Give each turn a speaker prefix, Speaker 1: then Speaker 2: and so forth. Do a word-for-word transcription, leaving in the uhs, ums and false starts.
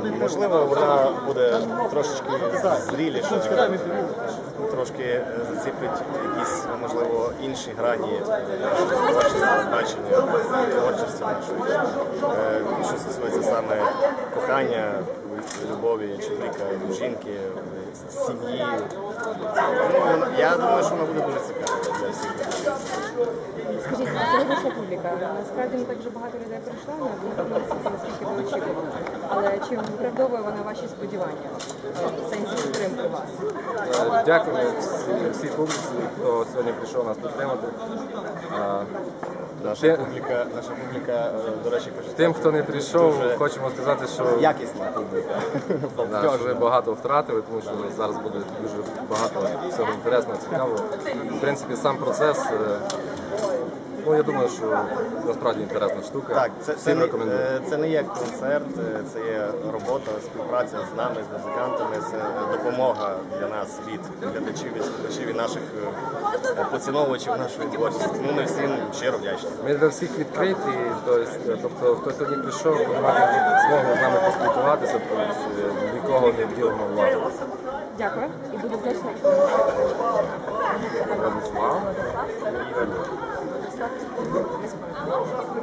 Speaker 1: Можливо, вона буде трошечки зріліша, трошки заціпить якісь, можливо, інші грані нашого творчого бачення, творчості нашої. Що стосується саме кохання, любові чоловіка до жінки, сім'ї. Ну, я думаю, що вона буде дуже цікава для всіх.
Speaker 2: Скажіть, це ваша публіка. Насправді не так вже багато людей прийшло на концерт, наскільки ви очікували. Але чи виправдовує вона ваші сподівання в сенсі підтримки вас?
Speaker 3: Дякую всій публіці, хто сьогодні прийшов нас підтримати.
Speaker 1: Наша публіка, наша публіка, до речі,
Speaker 3: тим, хто не прийшов, хочемо сказати, що
Speaker 1: якісна публіка.
Speaker 3: Да, що ви багато втратили, тому що зараз буде дуже багато всього інтересного, цікавого. В принципі, сам процес, ну, я думаю, що насправді інтересна штука.
Speaker 1: Так, це, це, не, це не є концерт, це є робота, співпраця з нами, з музикантами, це допомога для нас від глядачів, від слухачів і наших поціновувачів нашої творчості. Ну, ми всім щиро вдячні.
Speaker 3: Ми для всіх відкриті, тобто хто сьогодні прийшов, ми маємо змогу з нами поспілкуватися, тобто нікого не вділимо владу.
Speaker 2: Дякую і буду вдячна.
Speaker 3: Владислав.